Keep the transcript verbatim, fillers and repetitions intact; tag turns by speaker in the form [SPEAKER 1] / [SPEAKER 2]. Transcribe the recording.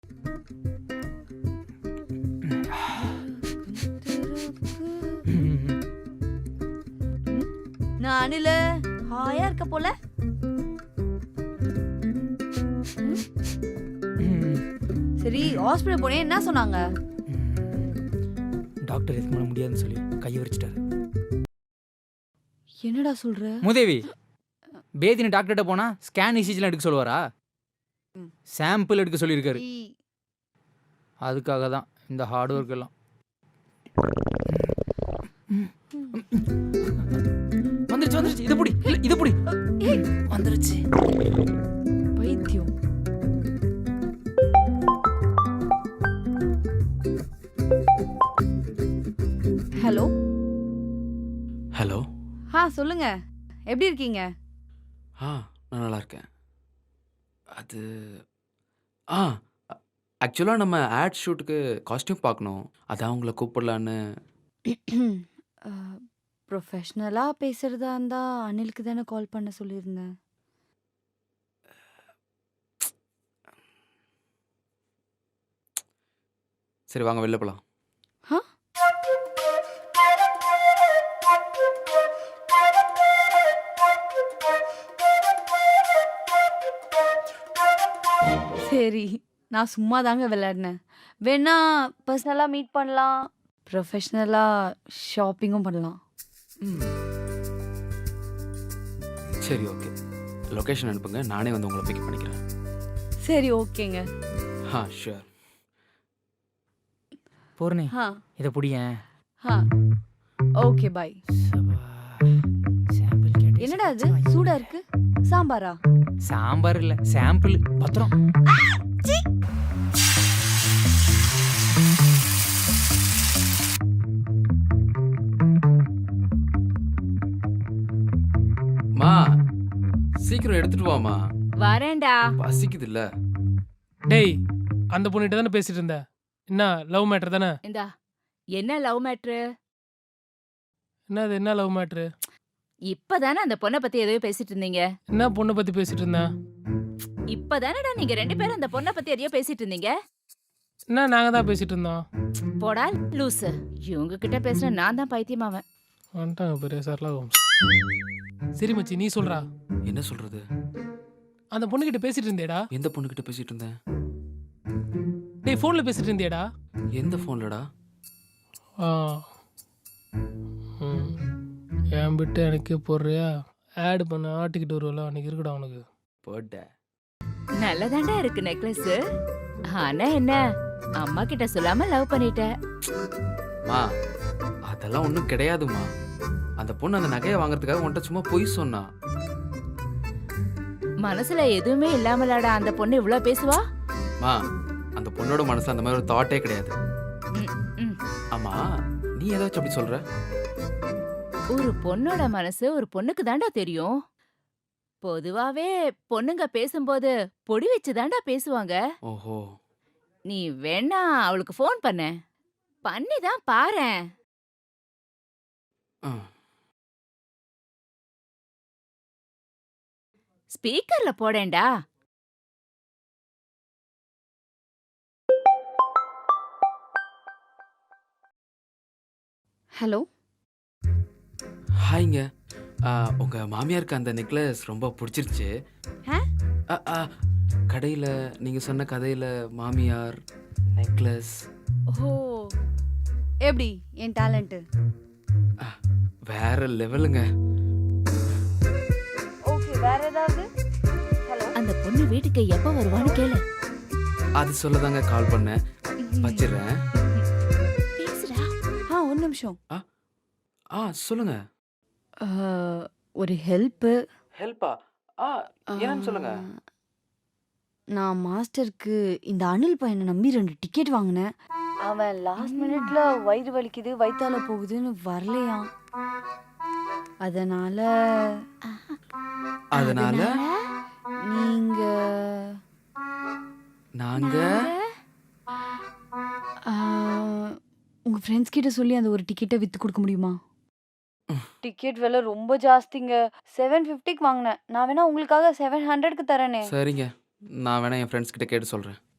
[SPEAKER 1] நான் அணிலு ஹாயா இருக்க போல. சரி ஹாஸ்பிட்டல் போனே என்ன சொன்னாங்க?
[SPEAKER 2] டாக்டர் எதுக்கு மேலே முடியாதுன்னு சொல்லி கையை விரிச்சிட்டாரு.
[SPEAKER 1] என்னடா சொல்ற?
[SPEAKER 2] மூதேவி, பேதினி டாக்டர்கிட்ட போனா ஸ்கேன் இசிஜிலாம் எடுக்க சொல்லுவாரா? சாம்பிள் எடுக்க சொல்லியிருக்காரு. அதுக்காக தான் இந்த ஹார்ட் ஒர்க் எல்லாம். வந்துருச்சு வந்துருச்சு, இது புடி, இல்ல இது புடி, வந்துருச்சு.
[SPEAKER 1] பைத்தியம். Hello
[SPEAKER 3] hello.
[SPEAKER 1] ஆ சொல்லுங்க, எப்படி இருக்கீங்க?
[SPEAKER 3] ஆ நான் நல்லா இருக்கேன். அது ஆ ஆக்சுவலாக நம்ம ஆட் ஷூட்டுக்கு காஸ்டியூம் பார்க்கணும், அதான் உங்களை கூப்பிடலான்னு.
[SPEAKER 1] ப்ரொஃபஷ்னலா பேசுறதா இருந்தா அனிலுக்கு தானே கால் பண்ண சொல்லியிருந்தேன்.
[SPEAKER 3] சரி வாங்க வெளில போகலாம்.
[SPEAKER 1] ஆ சரி, நான் சும்மா தாங்க விளையாடினேன். வேணா பர்சனலாக மீட் பண்ணலாம், ப்ரொஃபஷ்னலாக ஷாப்பிங்கும் பண்ணலாம்.
[SPEAKER 3] ம் சரி ஓகே, லொக்கேஷன் அனுப்புங்க, நானே வந்து உங்களை பிக் பண்ணிக்கிறேன்.
[SPEAKER 1] சரி ஓகேங்க.
[SPEAKER 3] ஆ ஷூர்.
[SPEAKER 2] பூர்ணி,
[SPEAKER 1] ஆ
[SPEAKER 2] இதை புடியேன்.
[SPEAKER 1] ஆ ஓகே பாய்.
[SPEAKER 2] சாம்பிள் கேட்டு
[SPEAKER 1] என்னடா இது சூடா இருக்கு? சாம்பாரா?
[SPEAKER 2] சாம்பார் இல்ல, சாம்பிள். பத்திரம்.
[SPEAKER 3] மா சீக்கிரம் எடுத்துட்டு வாமா,
[SPEAKER 1] வரேன்டா.
[SPEAKER 3] பசிக்குது இல்ல.
[SPEAKER 4] டேய், அந்த பொண்ணுகிட்ட தானே பேசிட்டு இருந்த? என்ன லவ் மேட்டர் தானே?
[SPEAKER 5] இந்தா என்ன லவ் மேட்ரு?
[SPEAKER 4] என்னது என்ன லவ் மேட்ரு?
[SPEAKER 5] இப்பதானே அந்த பொண்ணை பத்தி எதையோ பேசிட்டு இருந்தீங்க.
[SPEAKER 4] என்ன பொண்ணை பத்தி பேசிட்டு இருந்தேன்?
[SPEAKER 5] இப்பதானடா நீங்க ரெண்டு பேரும் அந்த பொண்ணை பத்தி எதையோ பேசிட்டு இருந்தீங்க.
[SPEAKER 4] என்ன நாங்க தான் பேசிட்டு இருந்தோம்?
[SPEAKER 5] போடா லூசு, இவங்க கிட்ட பேசுன நான் தான் பைத்தியமாவேன்.
[SPEAKER 4] வந்துட்டாங்க பெரிய சரலா ஹோம்ஸ். சரி மச்சி, நீ சொல்றா.
[SPEAKER 3] என்ன சொல்றது?
[SPEAKER 4] அந்த பொண்ணுகிட்ட பேசிட்டு இருந்தேடா.
[SPEAKER 3] எந்த பொண்ணுகிட்ட பேசிட்டு இருந்தேன்?
[SPEAKER 4] டேய், ஃபோன்ல பேசிட்டு இருந்தேடா.
[SPEAKER 3] எந்த ஃபோன்லடா?
[SPEAKER 4] ஆ ம் என் பிட்டு எனக்கே போடுறியா? ஆட் பண்ண ஆட்டிக்கிட்டு வருவல, அன்னைக்கு இருக்குடா உனக்கு.
[SPEAKER 3] போட்ட
[SPEAKER 5] நல்லதாண்டா இருக்கு நெக்லஸ். ஆனா என்ன, அம்மா கிட்ட சொல்லாம லவ் பண்ணிட்ட.
[SPEAKER 3] மா அதெல்லாம் ஒன்றும் கிடையாதுமா. அந்த பொண்ணு அந்த நகையை வாங்குறதுக்காக உன்கிட்ட சும்மா பொய் சொன்னா.
[SPEAKER 5] மனசுல எதுவுமே இல்லாமலாடா அந்த பொண்ணு இவ்வளவு பேசுவா?
[SPEAKER 3] மா அந்த பொண்ணோட மனசுல அந்த மாதிரி ஒரு தாட்டே கிடையாது.
[SPEAKER 5] ம், ம்.
[SPEAKER 3] ஆமா நீ ஏதாச்சும் அப்படி சொல்ற?
[SPEAKER 5] ஒரு பொண்ணோட மனசு ஒரு பொண்ணுக்கு தாண்டா தெரியும். பொதுவாவே பொண்ணுங்க பேசும்போது பொடி வச்சு தாண்டா பேசுவாங்க.
[SPEAKER 3] ஓஹோ.
[SPEAKER 5] நீ வேணா அவளுக்கு ஃபோன் பண்ண, பண்ணி தான் பாரேன்.
[SPEAKER 3] ஆ.
[SPEAKER 5] ஸ்பீக்கர்ல போடேன்டா.
[SPEAKER 1] ஹலோ
[SPEAKER 3] ஹாய்ங்க. ஆ, உங்க மாமியாருக்கு அந்த நெக்லஸ் ரொம்ப பிடிச்சிருச்சு.
[SPEAKER 1] ஆ?
[SPEAKER 3] ஆ, ஆ, கடையில நீங்க சொன்ன கதையில மாமியார் நெக்லஸ்.
[SPEAKER 1] ஓ எப்படி என் டேலண்ட்டு?
[SPEAKER 3] வேற லெவலுங்க.
[SPEAKER 1] ஓகே, வேற ஏதாவது? ஹலோ
[SPEAKER 5] அந்த பொண்ணு வீட்டுக்கு எப்ப வருவான்னு கேளு.
[SPEAKER 3] அது சொல்லதாங்க கால் பண்ணேன். வச்சிடுறேன்.
[SPEAKER 5] பேசுடா.
[SPEAKER 1] ஆ ஒரு நிமிஷம்.
[SPEAKER 3] ஆ சொல்லுங்க.
[SPEAKER 1] ஆ, ஒரு ஹெல்ப்பு.
[SPEAKER 3] ஹெல்ப்பா? ஆ என்னன்னு சொல்லுங்க.
[SPEAKER 1] நான் மாஸ்டருக்கு இந்த அனில் பையனை நம்பி ரெண்டு டிக்கெட் வாங்கினேன். அவன் லாஸ்ட் மினிட்ல வயிறு வலிக்குது வயித்தால போகுதுன்னு வரலையாம். அதனால
[SPEAKER 3] அதனால
[SPEAKER 1] நீங்க
[SPEAKER 3] நாங்க
[SPEAKER 1] ஆ, உங்க ஃப்ரெண்ட்ஸ் கிட்ட சொல்லி அந்த ஒரு டிக்கெட்டை வித்து கொடுக்க முடியுமா? டிக்கெட் விலை ரொம்ப ஜாஸ்திங்க. செவன் ஃபிஃப்டிக்கு வாங்கினேன். நான் வேணா உங்களுக்காக செவன் ஹண்ட்ரட்க்கு தரேனே.
[SPEAKER 3] சரிங்க, நான் வேணா என் ஃப்ரெண்ட்ஸ் கிட்ட கேட்டு சொல்றேன்.